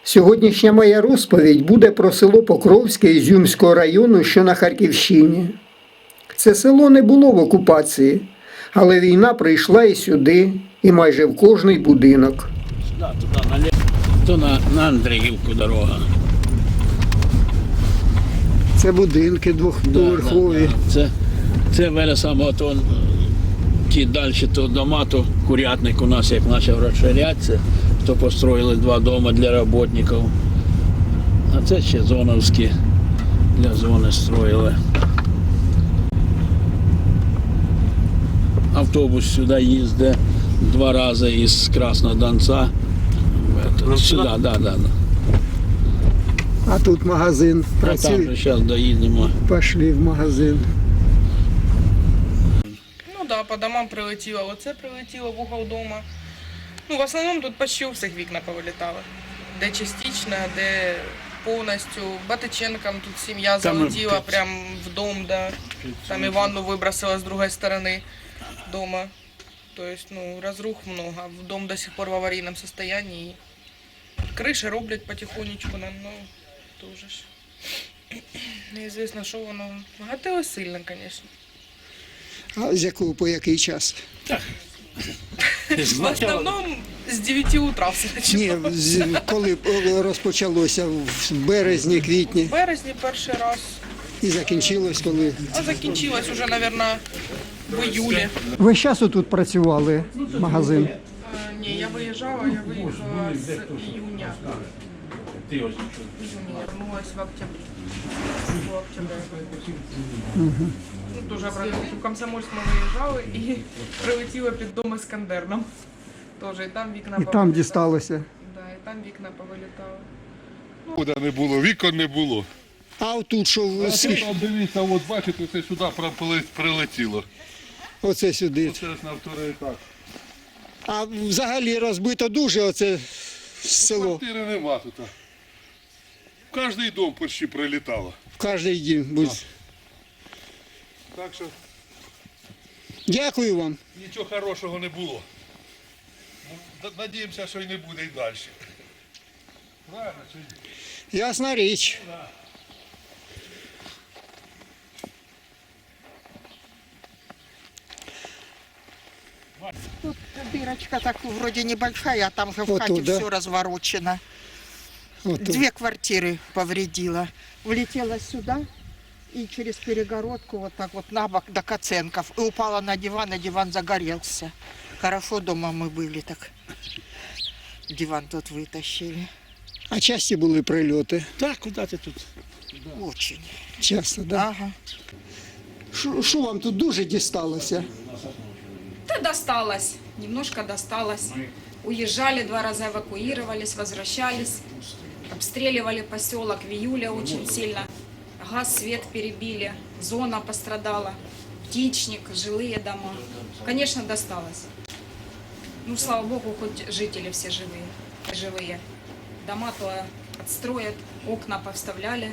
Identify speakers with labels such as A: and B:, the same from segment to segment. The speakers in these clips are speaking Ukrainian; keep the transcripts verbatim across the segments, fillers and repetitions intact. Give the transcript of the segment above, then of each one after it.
A: Сьогоднішня моя розповідь буде про село Покровське Ізюмського району, що на Харківщині. Це село не було в окупації, але війна прийшла і сюди, і майже в кожний будинок.
B: Сюди, туди, наліво, то на, на Андріївку дорога.
A: Це будинки двохповерхові.
B: Да, да, да. Це, це веля саме, то, ті далі то дома, то курятник у нас як почав розширятися, то построїли два дома для працівників. А це ще зоновські, для зони строїли. Автобус сюди їздить два рази із Краснодонця. Сюди, так, да, да, да.
A: А тут магазин
B: А
A: працює.
B: там же зараз доїдемо.
A: Пішли в магазин.
C: Ну да, по домам прилетіло, оце прилетіло в угол дома. Ну, в основному тут почти у всіх вікна повилітали. Де частично, де повністю. Батиченкам тут сім'я
B: Там
C: залетіла
B: під-
C: прямо в дом, да. Там і ванну вибросила з другої сторони дома. Тобто, ну, розрух много. В дом до сих пор в аварійному стані. Криші роблять потихонечку нам, ну, дуже ж. Неізвісно, що воно. Гатило сильно, звісно.
A: А з якого по який час?
C: В основному з дев'яти утра все
A: Ні,
C: почалося.
A: з- коли розпочалося в березні, квітні
C: В березні перший раз,
A: і закінчилось коли.
C: а закінчилось уже, мабуть, в іюлі.
A: Ви зараз тут працювали, магазин?
C: А, ні, я виїжджала, я виїхала з іюня.
B: Ти ось
C: Июня я вернулась в октябре. В октябре. Ну, дуже правда, в Комсомольськ ми виїжджали і прилетіла під дом Іскандерном. Тоже, і там вікна
A: І там
C: повилітали.
A: дісталося.
C: Да, і там вікна повилітали.
D: Куди не було, вікон не було.
A: А тут що,
D: А
A: с-
D: тут, дивіться, от бачите, це сюди пропили- прилетіло.
A: оце сюди.
D: Оце ж на второй етаж.
A: А взагалі розбито дуже оце село.
D: Квартири нема тут. В кожний дом почти прилітало.
A: В кожний дім. будь.
D: Так що
A: Дякую вам.
D: нічого хорошого не було. Ну, д- Надіємося, що й не буде і далі. Правильно чи ні?
A: Ясна річ.
E: Тут дырочка так вроде небольшая, а там же в
A: Вот
E: хате
A: тут, да?
E: все разворочено.
A: От тут.
E: Две квартиры повредила. Влетела сюда и через перегородку вот так вот на бок до коценков. И упала на диван, и диван загорелся. Хорошо дома мы были, так диван тут вытащили.
A: А часті були прильоти?
B: Так, куди ти тут?
E: Очень.
A: Часто, так? Да?
E: Ага.
A: Що що вам тут дуже дісталося?
F: Да досталось, немножко досталось. Уезжали, два раза эвакуировались, возвращались. Обстреливали поселок в июле очень сильно. Газ, свет перебили, зона пострадала. Птичник, жилые дома. Конечно, досталось. Ну, слава богу, хоть жители все живые. живые. Дома то отстроят, окна повставляли.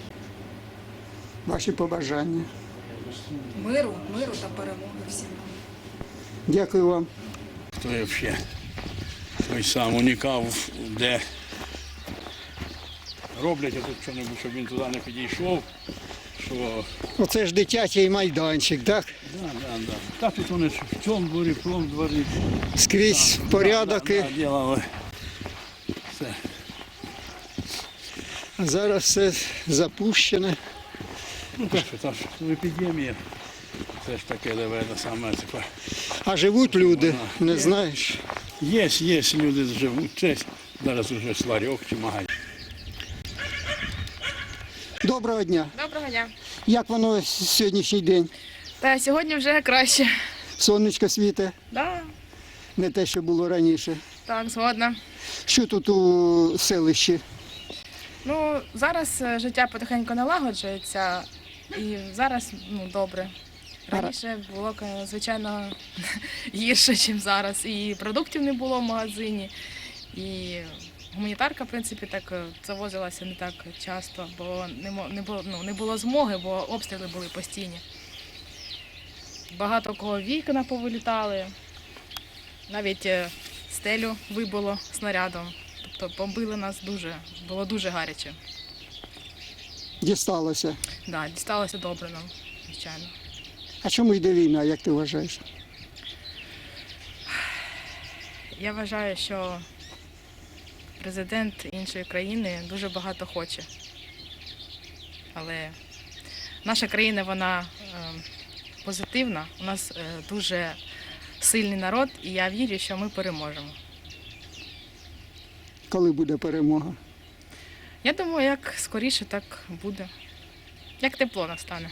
A: Ваші побажання.
F: Миру, миру та перемоги всім нам.
A: Дякую вам.
B: Хто взагалі той сам унікав, де роблять тут що-небудь, щоб він туди не підійшов. Що...
A: Оце ж дитячий майданчик, так?
B: Да, да, да. Та тут вони ж в цьому дворі, в тому дворі.
A: Скрізь порядок.
B: Да,
A: і-
B: да, ділали. Все.
A: А зараз все запущене.
B: Ну так що, та ж епідемія. Це ж таке, де саме типа.
A: А живуть люди, не знаєш.
B: Є, є, люди живуть. Це зараз уже сварьок чи магазин.
A: Доброго дня.
G: Доброго дня.
A: Як воно сьогоднішній день?
G: Та сьогодні вже краще.
A: Сонечко світе,
G: Да,
A: не те, що було раніше.
G: так, згодна.
A: Що тут у селищі?
G: Ну, зараз е, життя потихеньку налагоджується і зараз ну, добре. Раніше було, е, звичайно, гірше, ніж зараз. І продуктів не було в магазині, і гуманітарка, в принципі, так е, завозилася не так часто, бо не, мо- не, було, ну, не було змоги, бо обстріли були постійні. Багато кого вікна повилітали, навіть е, стелю вибило снарядом. Тобто бомбили нас дуже, було дуже гаряче.
A: Дісталося.
G: Да, дісталося добре нам, звичайно.
A: А чому йде війна, як ти вважаєш?
G: Я вважаю, що президент іншої країни дуже багато хоче. Але наша країна, вона е, позитивна, у нас е, дуже сильний народ, і я вірю, що ми переможемо.
A: Коли буде перемога?
G: Я думаю, як скоріше, так буде. Як тепло настане.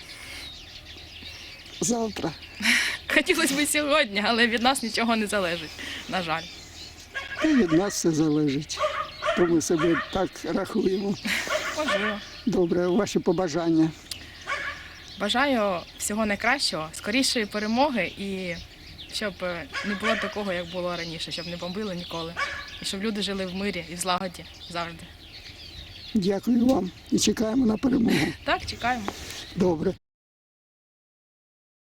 A: Завтра.
G: Хотілося б сьогодні, але від нас нічого не залежить, на жаль.
A: Та й від нас все залежить. То ми себе так рахуємо.
G: Можливо.
A: Добре, ваші побажання.
G: Бажаю всього найкращого, скорішої перемоги і щоб не було такого, як було раніше, щоб не бомбили ніколи. І щоб люди жили в мирі і в злагоді завжди.
A: Дякую вам і чекаємо на перемогу.
G: Так, чекаємо.
A: Добре.